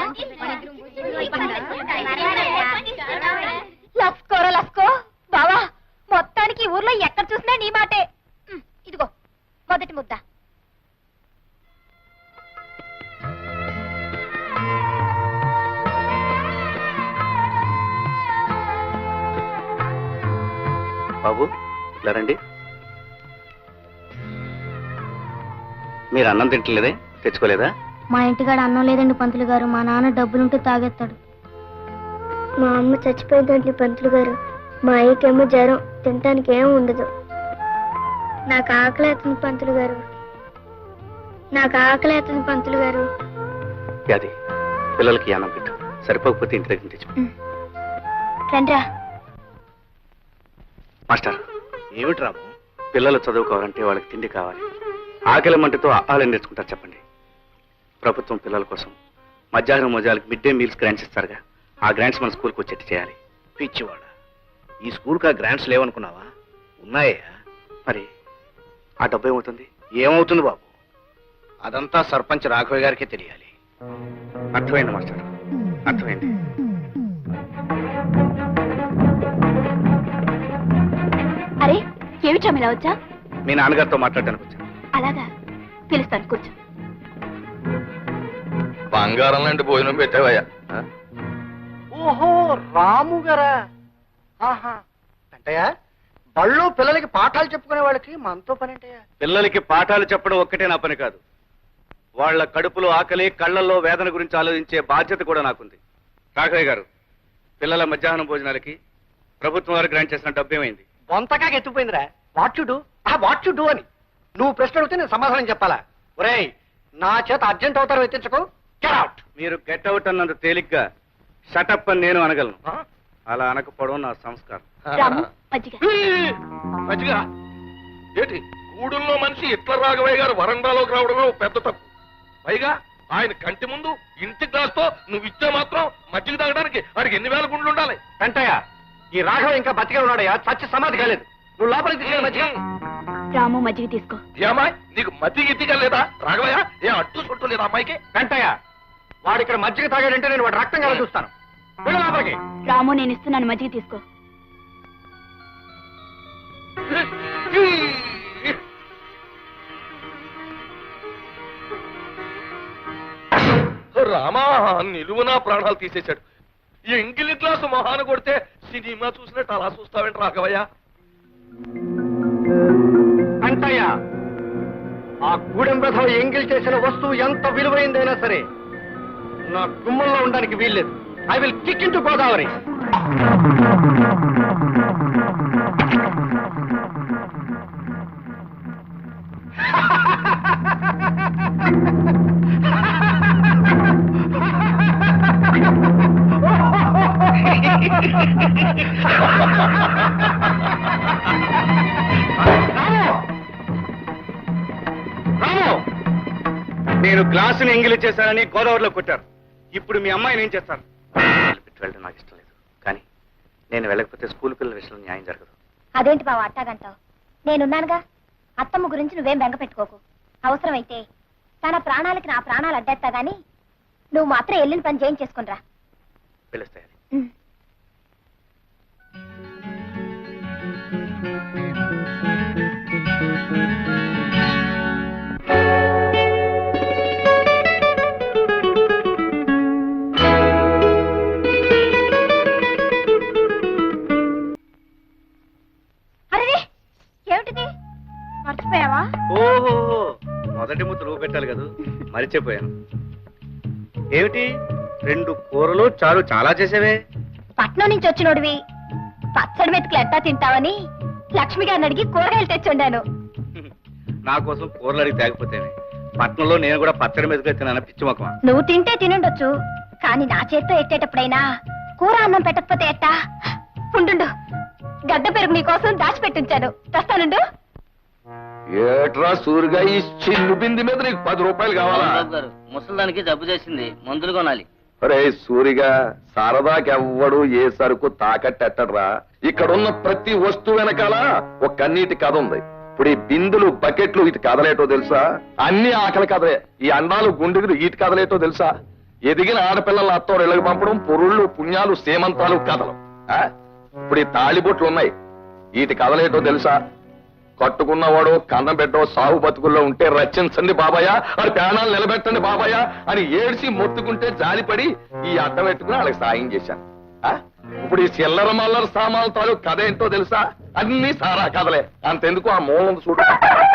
లస్కోరా లస్కో బావా, మొత్తానికి ఊర్లో ఎక్కడ చూసినా నీ మాటే. ఇదిగో మొదటి ముద్ద. బాబు ఇలా రండి. మీరు అన్నం తింటలేదే, తెచ్చుకోలేదా? మా ఇంటికాడ అన్నం లేదండి పంతులు గారు. మా నాన్న డబ్బులుంటే తాగేస్తాడు. మా అమ్మ చచ్చిపోయిందండి పంతులు గారు. మా అయ్యకేమో జ్వరం, తినటానికి ఏం ఉండదు. నాకు ఆకలి అవుతుంది పంతులు గారు. నాకు ఆకలి అవుతుంది పంతులు గారు. అది పిల్లలకి అన్నం పెట్టు, సరిపోకపోతే ఇంటి దగ్గర తెచ్చు. రండ్రా. మాస్టర్, ఏమిటి రాము? పిల్లలు చదువుకోవాలంటే వాళ్ళకి తిండి కావాలి. ఆకలి మంటతో ఆహారం నేర్చుకుంటారు చెప్పండి. ప్రభుత్వం పిల్లల కోసం మధ్యాహ్నం మోజాలకు మిడ్ డే మీల్స్ గ్రాంట్స్ ఇస్తారుగా, ఆ గ్రాంట్స్ మన స్కూల్కి వచ్చేట్టు చేయాలి. పిచ్చివాడ, ఈ స్కూల్కి ఆ గ్రాంట్స్ లేవనుకున్నావా? ఉన్నాయా? మరి ఆ డబ్బు ఏమవుతుంది? ఏమవుతుంది బాబు, అదంతా సర్పంచ్ రాఘవయ్య గారికి తెలియాలి. అర్థమైంది మాస్టర్, అర్థమైంది. అరే ఏమిటా ఇలా వచ్చా? మీ నాన్నగారితో మాట్లాడడానికి వచ్చాను. అలాగా, పిలుస్తాను, కూర్చో. బంగారం లాంటి భోజనం పెట్టావయ్యా. ఓహో, రాము గారా? ఆహా, అంటయ్యా బళ్ళు పిల్లలకి పాఠాలు చెప్పుకునే వాళ్ళకి మనతో పని అంటయ్యా. పిల్లలకి పాఠాలు చెప్పడం ఒక్కటే నా పని కాదు, వాళ్ళ కడుపులో ఆకలి, కళ్ళల్లో వేదన గురించి ఆలోచించే బాధ్యత కూడా నాకుంది. రాఘవయ్య గారు, పిల్లల మధ్యాహ్నం భోజనాలకి ప్రభుత్వం వారు గ్రాంట్ చేసిన డబ్బు ఏమైంది? బొంతకాగా ఎత్తుపోయిందిరా. వాట్ యు డూ అని నువ్వు ప్రశ్న అడిగితే నేను సమాధానం చెప్పాలా? ఒరేయ్, నా చేత అర్జెంట్ అవుతారు ఎత్తించకు. Get out. మీరు గెట్ అవుట్ అన్నంత తేలిగ్గా షటప్ అని నేను అనగలను. అలా అనకపోవడం నా సంస్కారం. రాము, మజ్జిగ. మంచిగా ఏంటి, గూడుల్లో మనిషి ఇట్ల రాఘవయ్య గారు వరండాలోకి రావడమే పెద్ద తప్పు. పైగా ఆయన కంటి ముందు ఇంటి గ్లాస్తో నువ్వు ఇచ్చే మాత్రం మజ్జిగ తాగడానికి వాడికి ఎన్ని వేల గుండ్లు ఉండాలి? వెంటయ్య, ఈ రాఘవ ఇంకా బతికే ఉన్నాడయ్యా, చచ్చి సమాధి కాలేదు. నువ్వు లోపలికి తీసుకెళ్ళి మధ్య. రాము, మజ్జిగ తీసుకో. ఏమాయ్, నీకు మజ్జిగ ఇద్దిగా లేదా రాఘవయ్య? ఏ అడ్డు చుట్టూ లేదా అమ్మాయికి? వెంటయ్య, వాడు ఇక్కడ మజ్జిగ తాగాడంటే నేను వాడు రక్తం కల చూస్తాను. వెళ్ళు లోపలికి. రాము, నేను ఇస్తున్నాను, మజ్జిగ తీసుకో. రామా, నిలువునా ప్రాణాలు తీసేశాడు. ఈ ఎంగిలి గ్లాసు మొహాన కొడితే సినిమా చూసినట్టు అలా చూస్తావేంటి రాఘవయ్య? వెంటయ్య, ఆ గూడెం రథం ఎంగిల్ చేసిన వస్తువు ఎంత విలువైందైనా సరే నా గుమ్మంలో ఉండడానికి వీల్లేదు. I will kick in to Godavari. నేను గ్లాసుని ఎంగిలి చేశానని గోదావరిలో కొట్టారు. ఇప్పుడు మీ అమ్మాయిని ఏం చేస్తారు? వెళ్ళడం నాకు ఇష్టం లేదు, కానీ నేను వెళ్ళకపోతే స్కూల్ పిల్లల విషయంలో న్యాయం జరగదు. అదేంటి బావ అట్టాగంటావు? నేనున్నానుగా. అత్తమ్మ గురించి నువ్వేం బెంగ పెట్టుకోకు. అవసరమైతే తన ప్రాణాలకి నా ప్రాణాలు అడ్డేస్తా గాని నువ్వు మాత్రం వెళ్ళిన పని చేయించేసుకునిరా. పిలుస్తాయి. మర్చిపోయావా? ఓహో, మొదటి ముద్ద నువ్వు పెట్టాలి కదా, మరిచిపోయాను. ఏమిటి 2 కూరలు చారు చాలా చేసేవే? పట్నం నుంచి వచ్చినోడివి పచ్చడి మెతుకులు ఎట్టా తింటావని లక్ష్మి గారిని అడిగి కూరగాయలు తెచ్చుండాను. నా కోసం కూరలు అడిగి తేకపోతేనే. పట్నంలో నేను కూడా పచ్చడి మెతుకులు తిన్నాను, పిచ్చి మొక్కమా. నువ్వు తింటే తినుండొచ్చు, కానీ నా చేత్తో ఎట్టేటప్పుడైనా కూర అన్నం పెట్టకపోతే ఎట్టా? ఉండు, గడ్డ పెరుగు నీకోసం దాచిపెట్టించాను, తెస్తానుండు. ఏట్రా సూరిగా, ఈ చిల్లు బింది మీద నీకు 10 రూపాయలు కావాలా? ముసలిదానికి జబ్బు చేసింది, మందులు కొనాలి. అరే సూరిగా, సరదాకెవ్వడు ఏ సరుకు తాకట్టెట్టడ్రా. ఇక్కడున్న ప్రతి వస్తువు వెనకాల ఒక కన్నీటి కథ ఉంది. ఇప్పుడు ఈ బిందులు, బకెట్లు ఇటు కదలేటో తెలుసా? అన్ని ఆకలి కథలే. ఈ అండాలు, గుండెలు ఇటు కదలేటో తెలుసా? ఎదిగిన ఆడపిల్లల అత్తోరు ఇళ్ళకి పంపడం పొరుళ్ళు పుణ్యాలు సేమంతాలు కథలు ఆ? ఇప్పుడు ఈ తాళిబొట్లు ఉన్నాయి వీటి కథలేటో తెలుసా? కట్టుకున్నవాడు కన్నం పెట్టో సాగు బతుకుల్లో ఉంటే రచించండి బాబాయ్, అది ప్రాణాలు నిలబెట్టండి బాబాయ్ అని ఏడ్చి మొత్తుకుంటే జాలిపడి ఈ అడ్డం పెట్టుకుని వాళ్ళకి సాయం చేశాను. ఆ? ఇప్పుడు ఈ చిల్లర మల్లర సామాన్ల తాలూకు కథ ఏంటో తెలుసా? అన్ని సారా కథలే. అంతెందుకు ఆ మూలం చూడ